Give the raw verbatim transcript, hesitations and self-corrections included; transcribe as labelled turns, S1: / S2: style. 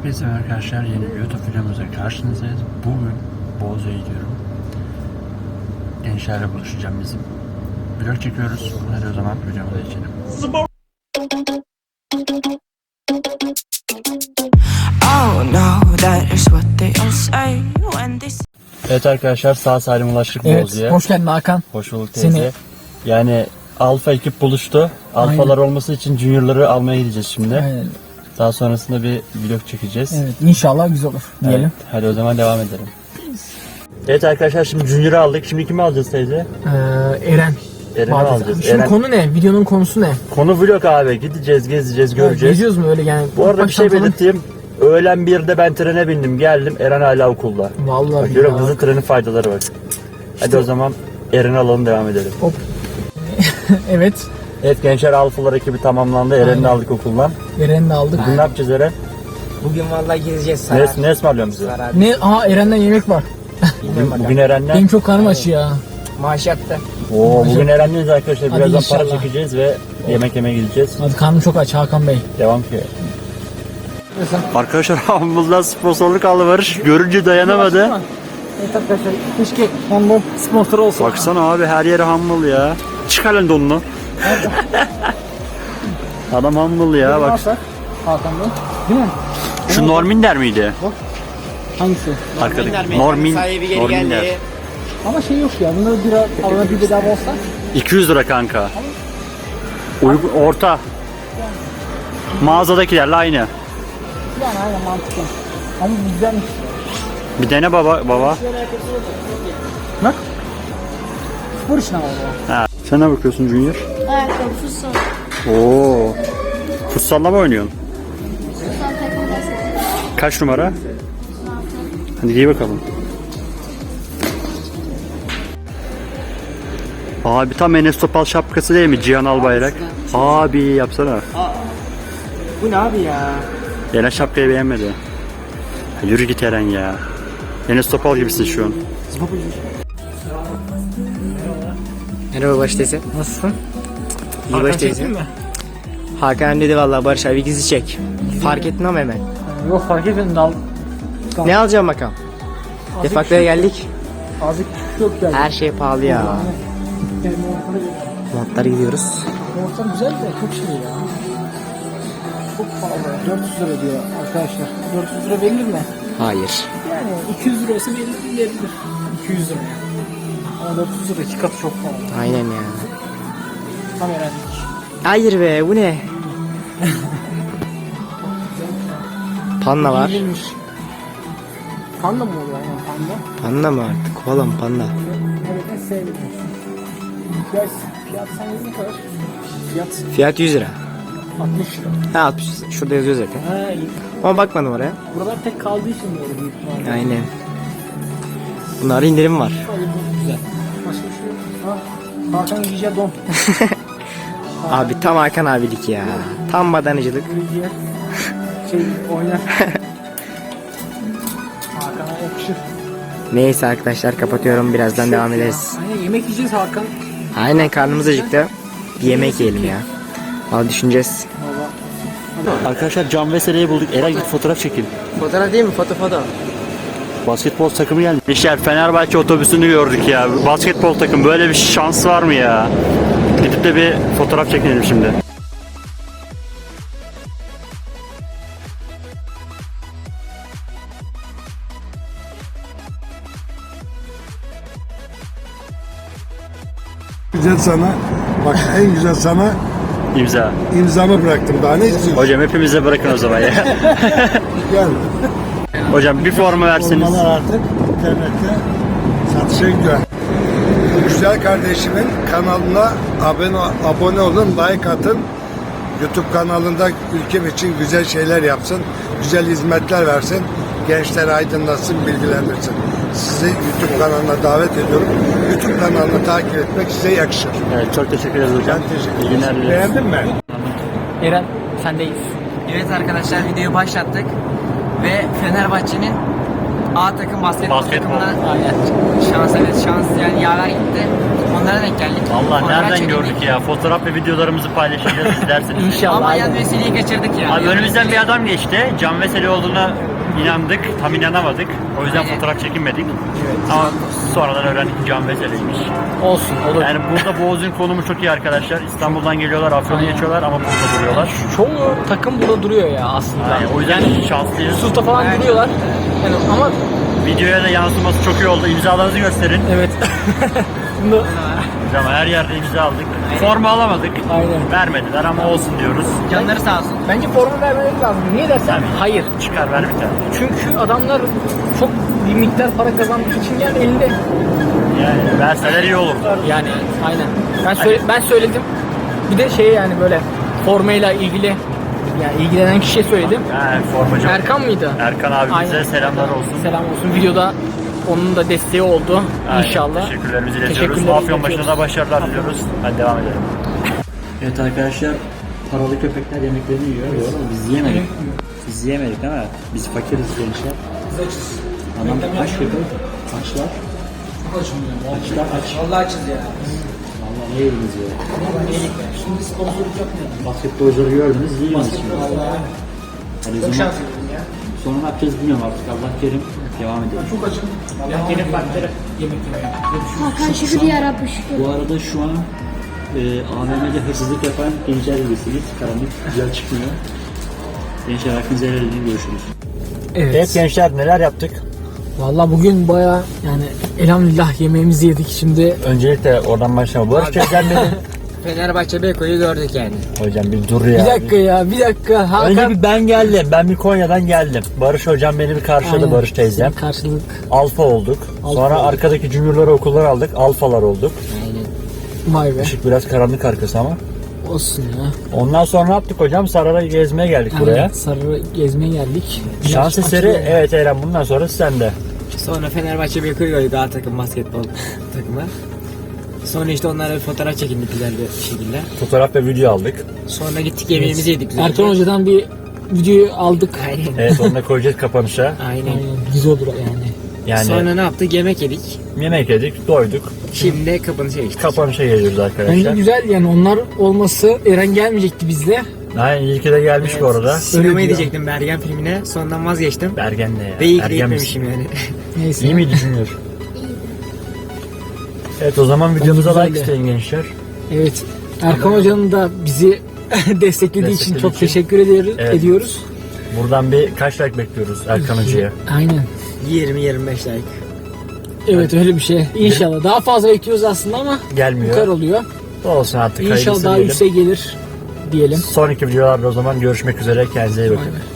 S1: Hepinize arkadaşlar, yeni YouTube videomuza karşınızdayız. Bugün Bozüyük'e gidiyorum. Gençlerle buluşacağım bizim. Vlog çekiyoruz. Hadi o zaman videomuza geçelim. Evet arkadaşlar, sağ salim ulaştık
S2: evet,
S1: Bozüyük'e.
S2: Hoş geldin Hakan.
S1: Hoş bulduk teyze.
S2: Seni...
S1: Yani Alfa ekip buluştu. Alfalar Aynen. olması için Junior'ları almaya gideceğiz şimdi. Aynen. Daha sonrasında bir vlog çekeceğiz.
S2: Evet, inşallah güzel olur diyelim. Evet,
S1: hadi o zaman devam edelim. Evet arkadaşlar, şimdi Junior'ı aldık. Şimdi kimi alacağız teyze?
S2: Ee, Eren.
S1: Eren'i alacağız.
S2: Şimdi
S1: Eren...
S2: konu ne? Videonun konusu ne?
S1: Konu vlog abi. Gideceğiz, gezeceğiz, göreceğiz. Evet,
S2: geziyoruz mu öyle yani?
S1: Bu arada bir şey belirteyim. Öğlen birde ben trene bindim, geldim. Eren hala okulda.
S2: Vallahi
S1: bak, görüyorum, hızlı trenin faydaları var. İşte... Hadi o zaman Eren'i alalım, devam edelim. Hop.
S2: Evet.
S1: Evet gençler, Alfalar ekibi tamamlandı. Eren'i aldık okuldan.
S2: Eren'i aldık.
S1: Bugün ne yapacağız Eren?
S3: Bugün vallahi gezeceğiz.
S1: Ne, ne ısmarlıyorsun bize?
S2: Ne? Aha, Eren'den yemek var.
S1: bugün, bugün Eren'le...
S2: Benim çok karnım aç ya.
S3: Maaş yattı.
S1: Oo, bugün Eren'leyiz arkadaşlar.
S2: Hadi
S1: birazdan
S2: inşallah.
S1: para çekeceğiz ve yemek yemeye gideceğiz.
S2: Hadi, karnım çok aç Hakan Bey.
S1: Devam ki. Arkadaşlar Humble'dan sponsorluk aldı Barış. Görünce dayanamadı.
S2: Evet arkadaşlar, keşke Humble sponsor olsa.
S1: Baksana abi, her yeri Humble ya. Çıkar lan donunu. Adam Humble ya, bak.
S2: Hakan Bey. Değil mi?
S1: Şu Norminder miydi?
S2: Bak. Hangisi?
S1: Arkadaki Normin. Norminder.
S2: Ama şey yok ya. Bunları bir alana bir bedava olsa.
S1: iki yüz lira kanka. Uygun, orta. Mağazadakilerle aynı.
S2: Yani aynen mantıklı. Ama güzelmiş.
S1: Bir dene baba baba.
S2: Bak. Spor işine var bu.
S1: Ha. Sen ne bakıyorsun Junior?
S4: Ayakkabı, futsal.
S1: Oo. Futsalla mı oynuyorsun? Kaç numara? Hadi giy bakalım. Abi tam Enes Topal şapkası değil mi? Cihan Albayrak. Abi yapsana.
S3: Aa, bu ne abi ya?
S1: Eren şapkayı beğenmedi. Ya, yürü git Eren ya. Enes Topal gibisin şu an.
S3: Merhaba Barış teyze.
S2: Nasılsın?
S3: İyi Barış teyze. Hakan dedi vallahi Barış abi gizli çek. Fark ettin ama hemen.
S2: Yok, fark etmedim. Dal.
S3: Ne alacağım bakalım? Defaktoya geldik.
S2: Azıcık yok yani.
S3: Her şey pahalı ya. Montlara gidiyoruz.
S2: Ortam güzel de çok şey ya. Çok pahalı. dört yüz lira diyor arkadaşlar. dört yüz lira verilir mi?
S3: Hayır.
S2: Yani iki yüz lira olsa verilir, verilir. iki yüz lira. Ama dört yüz lira iki katı çok pahalı.
S3: Aynen ya.
S2: Tam öğrendik.
S3: Hayır be, bu ne? Panda var.
S2: İyiymiş. Panda mı oluyor yani panda?
S3: Panda mı artık? Koala mı panda?
S2: Evet, en sevdiğim. Fiyat, fiyat sence ne kadar? Fiyat
S3: Fiyat yüz lira.
S2: altmış lira.
S3: Ha altmış. Şurada yazıyor zaten.
S2: Ha, iyi.
S3: Ama bakmadım oraya.
S2: Buralar tek kaldığı için böyle büyük ihtimalle.
S3: Aynen. Bunlarda indirim var.
S2: Öyle bu güzel. Başka bir şey yok. Ha, Hakan Giyce don.
S3: Abi tam Hakan abilik ya. Tam madanıcılık.
S2: Giyce şey oynar. Hakan'a yakışır.
S3: Neyse arkadaşlar, kapatıyorum. Birazdan devam ederiz.
S2: Aynen, yemek yiyeceğiz Hakan.
S3: Aynen, karnımız acıktı. Bir yemek yiyelim ya. Valla düşüneceğiz.
S1: Arkadaşlar Can Vesele'yi bulduk. Eren git fotoğraf çekin.
S3: Fotoğraf değil mi? Foto foto.
S1: Basketbol takımı geldi. İşte Fenerbahçe otobüsünü gördük ya. Basketbol takım, böyle bir şans var mı ya? Gidip de bir fotoğraf çekelim şimdi.
S5: Güzel sana, bak en güzel sana
S1: İmza.
S5: imzamı bıraktım, daha ne istiyorsun?
S1: Hocam hepimize bırakın o zaman ya.
S5: Gel.
S1: Hocam bir forma verseniz.
S5: Formalar artık internette satışa gidiyor. Bu güzel kardeşimin kanalına abone, abone olun, like atın. YouTube kanalında ülkem için güzel şeyler yapsın, güzel hizmetler versin, gençler aydınlatsın, bilgilendirsin. Sizi YouTube kanalına davet ediyorum. YouTube kanalını takip etmek size yakışır.
S1: Evet, çok teşekkür ederiz hocam.
S5: Ben teşekkür
S1: İyi günler
S5: ederim.
S1: dileriz.
S5: Beğendin mi?
S2: Eren, sendeyiz.
S3: Evet arkadaşlar, videoyu başlattık. Ve Fenerbahçe'nin A takım basketbol,
S1: Basketbol.
S3: takımına şans, evet şans yani yaver gitti. Onlara denk geldik.
S1: Valla
S3: Fotoğraf
S1: nereden
S3: çekildik.
S1: gördük ya? Fotoğraf ve videolarımızı paylaşacağız izlersiniz.
S3: İnşallah. Ama
S2: aynen.
S3: yan meseleyi kaçırdık ya.
S1: Abi önümüzden bir adam geçti. Can Veseli olduğuna inandık. Tam inanamadık. O yüzden
S3: Aynen.
S1: fotoğraf çekinmedik. Ama sonradan öğrendik ki Can Veseli'ymiş.
S2: Olsun olur.
S1: Yani burada Boğaz'ın konumu çok iyi arkadaşlar. İstanbul'dan geliyorlar, Afyon'u geçiyorlar ama burada duruyorlar.
S2: Çoğu takım burada duruyor ya aslında.
S1: Yani o yüzden şanslıyız.
S2: Yusuf'ta falan
S3: Aynen.
S2: duruyorlar. Yani ama
S1: Videoya da yansıması çok iyi oldu. İmzalarınızı gösterin.
S2: evet. Bunu
S1: Biz ama her yerde imza aldık. Forma alamadık.
S2: aynen.
S1: Vermediler ama olsun diyoruz.
S3: Canları sağ olsun.
S2: Bence forma vermeleri lazım. Niye dersen?
S1: Tabii.
S2: Hayır.
S1: Çıkar ver bir tane.
S2: Çünkü adamlar çok bir miktar para kazandığı için yani elinde.
S1: Yani verseler iyi olur.
S2: Yani aynen. Ben söyle, ben söyledim. Bir de şey yani böyle formayla ilgili yani ilgilenen kişiye söyledim.
S1: Yani formacı.
S2: Erkan mıydı?
S1: Erkan abimize
S2: Aynen.
S1: selamlar olsun.
S2: Selam olsun. Videoda onun da desteği oldu.
S1: Aynen.
S2: İnşallah.
S1: Teşekkürlerimizi iletiyoruz.
S2: Teşekkürler
S1: Afyon başına
S2: iletiyoruz.
S1: da başarılar diliyoruz. Hadi devam edelim. Evet arkadaşlar, paralı köpekler yemeklerini yiyor. Doğru mu? Biz yiyemedik. Biz yiyemedik ama biz fakiriz gençler.
S2: Biz açız.
S1: Adam aç köpek, açlar.
S2: Çok açım ya.
S1: Açlar aç.
S2: Vallahi açız ya.
S1: Vallahi ne yediniz ya?
S2: Şimdi sponsorluk yapmayalım.
S1: Basketbolcuları gördünüz, yiyorsunuz şimdi.
S2: Vallahi.
S1: Hadi o
S2: Çok
S1: zaman
S2: şanslıyım ya.
S1: sonra ne yapacağız bilmiyorum artık. Allah kerim. Devam edelim.
S2: Çok açım. Ya gelip partileri yemek yemeye.
S4: Hakan şükür yarabbim şükür.
S1: Bu arada şu an e, A V M'de hırsızlık yapan gençler gibisiniz. Karanlık güzel çıkmıyor. Gençler hakkınızı helal edin, görüşürüz.
S2: Evet.
S1: Evet gençler, neler yaptık?
S2: Vallahi bugün baya yani elhamdülillah yemeğimizi yedik şimdi.
S1: Öncelikle oradan başlayalım. Barış Teyzem benim.
S3: Fenerbahçe Beyko'yu gördük yani.
S1: Hocam bir dur ya.
S2: Bir dakika ya bir dakika. Hakan.
S1: Önce bir ben geldim. Ben bir Konya'dan geldim. Barış hocam beni bir karşıladı,
S2: Aynen.
S1: Barış teyzem.
S2: Karşılık.
S1: Alfa olduk.
S2: Alfa
S1: Sonra
S2: olduk.
S1: arkadaki juniorları okullar aldık. Alfalar olduk.
S3: Aynen.
S2: Vay be.
S1: Işık biraz karanlık arkası ama.
S2: Olsun ya.
S1: Ondan sonra ne yaptık hocam? Saray'a gezmeye geldik buraya.
S2: Aynen, Sarı gezmeye geldik.
S1: Şans
S2: Biraz
S1: eseri,
S2: açılıyor.
S1: evet Eren, bundan sonra sende.
S3: Sonra Fenerbahçe Beyko'yu gördük A takım basketbol takımı. Sonra işte onlarla bir fotoğraf çekindik güzel bir şekilde.
S1: Fotoğraf ve video aldık.
S3: Sonra gittik yemeğimizi yedik güzelce.
S2: Erkan Hoca'dan bir videoyu aldık.
S3: Aynen.
S1: Evet, onu da koyacağız kapanışa.
S3: Aynen.
S2: Aynen. Güzel olur yani.
S1: Yani
S3: Sonra ne yaptık? Yemek yedik.
S1: yemek yedik, doyduk.
S3: Şimdi de kapanışa geçtik.
S1: Kapanışa geliyoruz
S2: Bence
S1: arkadaşlar.
S2: güzel yani onlar olması Eren gelmeyecekti bizle.
S1: Aynen, iyi ki de gelmiş bu arada.
S3: Sinemaya
S2: diyor.
S3: gidecektim Bergen filmine. Sonradan vazgeçtim.
S1: Bergen ne ya?
S3: Ve iyi ki de
S1: Ergen misin?
S3: gitmemişim yani.
S2: Neyse.
S1: İyi mi düşünüyor? Evet, o zaman videomuza
S2: güzeldi.
S1: like isteyin gençler.
S2: Evet. Erkan Hoca'nın da bizi desteklediği için
S1: Desteklediği
S2: çok
S1: için.
S2: teşekkür ediyoruz.
S1: Evet.
S2: ediyoruz.
S1: Buradan bir kaç like bekliyoruz Erkan Hoca'ya?
S2: Aynen.
S3: yirmi yirmi beş like.
S2: Evet öyle bir şey. İnşallah. Daha fazla bekliyoruz aslında ama bu kadar
S1: Gelmiyor.
S2: oluyor.
S1: Olsun artık.
S2: İnşallah
S1: hayırlısı
S2: daha
S1: diyelim.
S2: yükseğe gelir diyelim.
S1: Sonraki videolarda o zaman görüşmek üzere. Kendinize iyi bakın.
S2: Aynen.